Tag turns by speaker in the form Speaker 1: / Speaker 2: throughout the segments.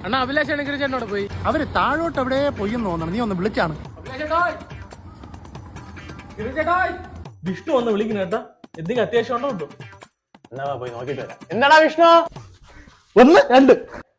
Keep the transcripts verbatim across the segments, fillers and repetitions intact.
Speaker 1: അണ്ണാ അഭിലാഷാണ് ഗിരിജേട്ടനോട് പോയി.
Speaker 2: അവര് താഴോട്ട് എവിടെ പോയെന്ന് തോന്നണം. നീ ഒന്ന് വിളിച്ചാണ്.
Speaker 3: വിഷ്ണു വന്ന് വിളിക്കുന്ന കേട്ടാ. എന്തെങ്കിലും അത്യാവശ്യം ഉണ്ടോ കിട്ടും.
Speaker 4: എന്നാ പോയി നോക്കിട്ട് വരാം. എന്താടാ വിഷ്ണു?
Speaker 2: ഒന്ന് രണ്ട്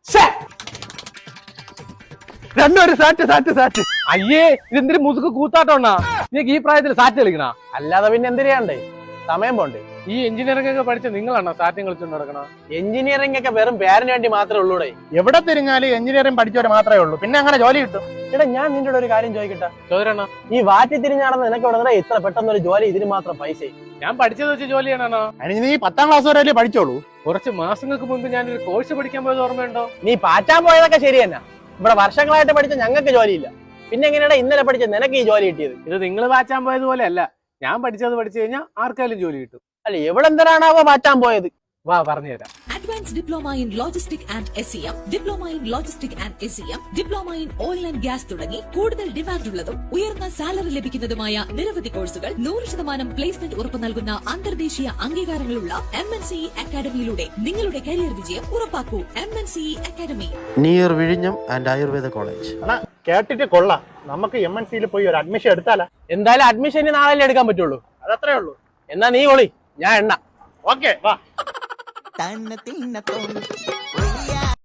Speaker 2: രണ്ടൊരു സാറ്റ് സാറ്റ് സാറ്റ്.
Speaker 1: അയ്യേ ഇതെന്തൊരു മുതുക്ക് കൂത്താട്ടോണ്ണാ. നിങ്ങൾക്ക് ഈ പ്രായത്തിൽ സാറ്റ് കളിക്കണ?
Speaker 4: അല്ലാതെ പിന്നെ എന്തിനാണ്ടേ, സമയം പോണ്ടേ.
Speaker 1: ഈ എഞ്ചിനീയറിംഗ് ഒക്കെ പഠിച്ച നിങ്ങളാണോ സാറ്റും കളിച്ചോണ്ട് നടക്കണ?
Speaker 4: എഞ്ചിനീയറിംഗ് ഒക്കെ വെറും പേരിന് വേണ്ടി മാത്രമേ ഉള്ളൂടെ.
Speaker 2: എവിടെ തിരിഞ്ഞാലും എഞ്ചിനീയറിംഗ് പഠിച്ചവരെ മാത്രമേ ഉള്ളൂ. പിന്നെ അങ്ങനെ ജോലി കിട്ടും.
Speaker 4: എടാ ഞാൻ നിന്റെ ഒരു കാര്യം ചോദിക്കട്ടെ.
Speaker 1: ചോദരണ
Speaker 4: ഈ വാറ്റി തിരിഞ്ഞാണെന്ന് നിനക്ക് ഇവിടെ ഇത്ര പെട്ടെന്ന് ഒരു ജോലി, ഇതിന് മാത്രം പൈസ?
Speaker 1: ഞാൻ പഠിച്ചത് വെച്ച് ജോലി ചെയ്യണോ?
Speaker 2: അതിന് നീ പത്താം ക്ലാസ് വരെ പഠിച്ചോളൂ.
Speaker 1: കുറച്ച് മാസങ്ങൾക്ക് മുമ്പ് ഞാനൊരു കോഴ്സ് പഠിക്കാൻ പോയത് ഓർമ്മയുണ്ടോ?
Speaker 4: നീ പാറ്റാൻ പോയതൊക്കെ ശരി തന്നെ. ഇവിടെ വർഷങ്ങളായിട്ട് പഠിച്ച ഞങ്ങൾക്ക് ജോലിയില്ല. പിന്നെ എങ്ങനെയാ ഇന്നലെ പഠിച്ച നിനക്ക് ഈ ജോലി കിട്ടിയത്?
Speaker 1: ഇത് നിങ്ങൾ പാച്ചാൻ പോയതുപോലെ അല്ല. ഞാൻ പഠിച്ചത് പഠിച്ചു കഴിഞ്ഞാൽ ആർക്കായാലും ജോലി കിട്ടും.
Speaker 4: അല്ല എവിടെ എന്തിനാണാവോ പാറ്റാൻ പോയത്?
Speaker 1: വാ പറഞ്ഞുതരാം.
Speaker 5: Advanced Diploma in Logistics and S E M, Diploma in Logistics and S E M, Diploma in Oil and Gas തുടങ്ങി കൂടുതൽ ഡിമാൻഡ് ഉള്ളതും ഉയർന്ന സാലറി ലഭിക്കുന്നതുമായ നിരവധി കോഴ്സുകൾ നൂറ് ശതമാനം പ്ലേസ്മെന്റ് ഉറപ്പു നൽകുന്ന അന്തർദേശീയ അംഗീകാരങ്ങളുള്ള എം എൻ സി അക്കാദമിയിലൂടെ നിങ്ങളുടെ കരിയർ വിജയം ഉറപ്പാക്കൂ. M N C academy,
Speaker 6: near വിഴിഞ്ഞം ആൻഡ് ആയുർവേദ കോളേജ്.
Speaker 2: കേട്ടിട്ട് കൊള്ളാം. നമുക്ക് എം എൻ സിയിൽ പോയി ഒരു അഡ്മിഷൻ എടുത്താലാ?
Speaker 4: എന്തായാലും അഡ്മിഷൻ നാളെ എടുക്കാൻ പറ്റുള്ളൂ.
Speaker 2: അതത്രേ ഉള്ളൂ.
Speaker 4: എന്നാ നീ ഒളി, ഞാൻ എണ്ണ.
Speaker 2: ഓക്കെ വാ.
Speaker 7: തന്ന തിന്ന തോന്നി